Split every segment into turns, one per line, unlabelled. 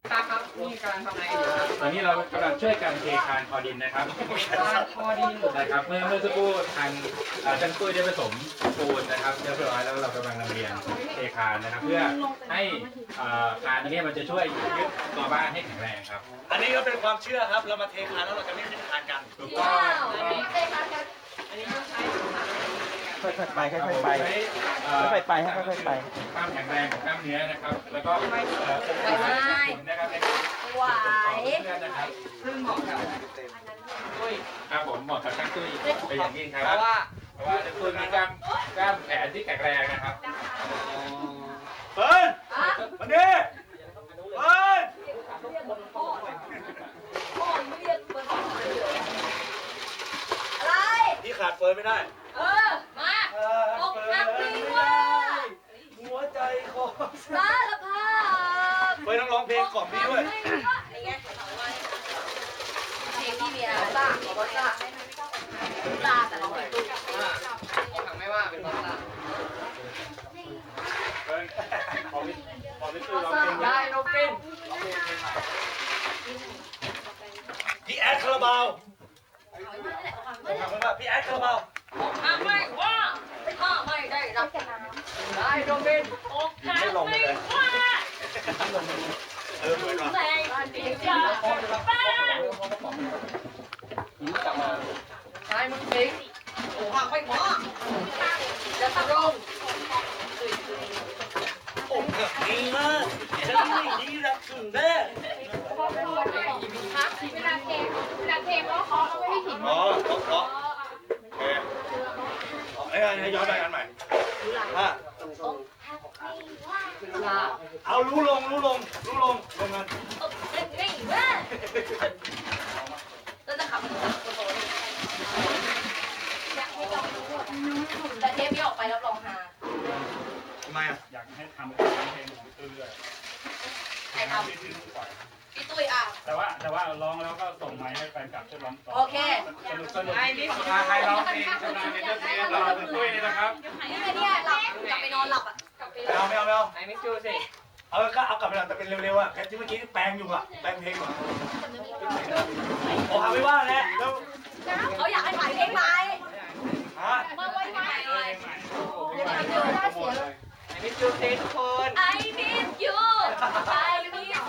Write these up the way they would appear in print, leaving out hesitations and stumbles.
ครับนี่กำลังทำอะไรกันอยู่ครับ
ตอนนี้เรากำลังช่วยกันเทคานคอดินนะครับ
คอดิน
นะครับเมื่อสักครู่ทางช่างตุ้ยได้ผสมปูนนะครับเรียบร้อยแล้วเรากำลังลำเลียงเทคานนะครับ เพื่อให้คานอันนี้มันจะช่วยยึดตัวบ้านให้แข็งแรงครับ
อันนี้ก็เป็นความเชื่อครับเรามาเทคานแล้วเราจะไม่ขึ้นคานกัน
ถูกต้อง
อันนี้ต้องใช้
ค่อยๆไปค่อยๆไป
ใช้
ค่อยๆไปฮะค่อยๆไป
ความแข็งแรงของกล้ามเนื้อนะครับ แล้วก็องศานะครับในการ
ไหว
เพื่อนนะครับ
ซึ่งเหมาะกับตุ้ย
ครับผมเหมาะกับช่างตุ้ยเป็นอย่างยิ่งค
เพ
รับ
ราะว่า
เพราะว่าช่างตุ้ยมีกล้ามแขนที่แข็งแรงนะครับ
เฟิร์นมาดิเฟิร์น
พ่อไม่เรียกเบอร์อะไร
พี่ขาดเฟิร์นไม่ได้
มาอกหักดีว่า
หัวใจคอ
สารภาพ
เฟิร์นต้องร้องเพลงกล่อมพี่ด้วย
นี่ไงเพลงที่มีอะไรบ้างบอกว่าตาแต่ร้องเพลงตุ้ย
ทำไม่ว่าเป็นบอสล่ะ
เพิ่นขอพี่ตุ้ยร้องเพลง
ได้โนปิน
พี่แอดคาราบาวทำไมว่าพี่แอดคาราบาว
ทำไม่ว่าถ้าไม่ได้รับ
ได้โนปิน
อกหักไม่ว่า
เหมือนว่ะ
แรงดีจ้าบ้า
ใช่มึงจริง
อกหักไม่ว่าจะทำลง
อกหักดีมากฉันไม่ดีรักถึงแน่
เวลาเพลงร้องขอเราไม่ให้หิน
อ๋อเพราะโอเคให้ย้อนไปกันใหม่เอารู้ลงลงกัน
นี่เว้ยแล้วจะขับแต่เทปนี้ออกไปรับรองฮา
ทำไมอ่ะ
อยากให้ทำเพลงของพี่ตุ้ยด้วย
ใครทำพี่ตุ้ยอ่ะ
แต่ว่าร้องแล้วก็ส่งไมค์ให้แฟนคลับช่วยร้องต่อ
โอเค
สนุกใครร้องเพลงชนะในเรื่องเพลงรอคุณตุ้ยนี่นะครับ
เนี่ยหลับกลับไปนอนหลับอ่ะ
ไม่เอา
ไอ้มิจูสิ
เอาก็เอากลับไปหน่อยแต่เป็นเร็วๆอ่ะแค่ที่เมื่อกี้แปลงอยู่อ่ะแปลงเพลงอยู่โอ้หาไม่ว่าแล้ว
เขาอยากให้ถ่ายเพลงใหม่
ฮะ
มาไว้ใหม่
ไอ้มิจูสิทุกคน
I miss you I miss you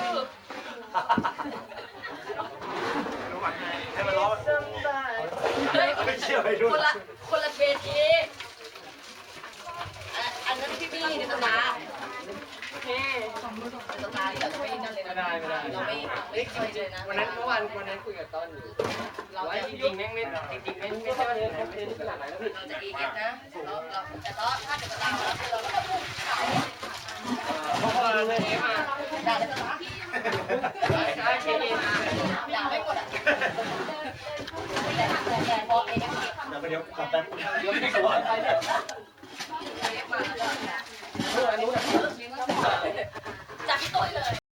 รู้ไหมให้มันร้อง
เฮ้ย
ไม่เชื่อไปดู
คนละเวทีอันนั้นพี่บี้ในตำนานในตำนานที่แบบไม่นั่นเลยนะเราไม่เคยเจอนะ
วันนั้นคุยกับต้นอยู่เราจริงแม่งไม่ใช่ว่าเดินขนาดไหนแล้วพี่
เราจะเอเอฟนะแต่ตอนถ้าเกิดเราเราก็จะพูดข่าว
เพราะว่าเทมา
ด่าได้ไหม
ใช่เทมา
ด่าไม่หมดอ่ะแต่พอเอเอฟ
เดี๋ยวกลับไปเดี๋ยวไม่สวย
จากพี่ตุ้ยเลย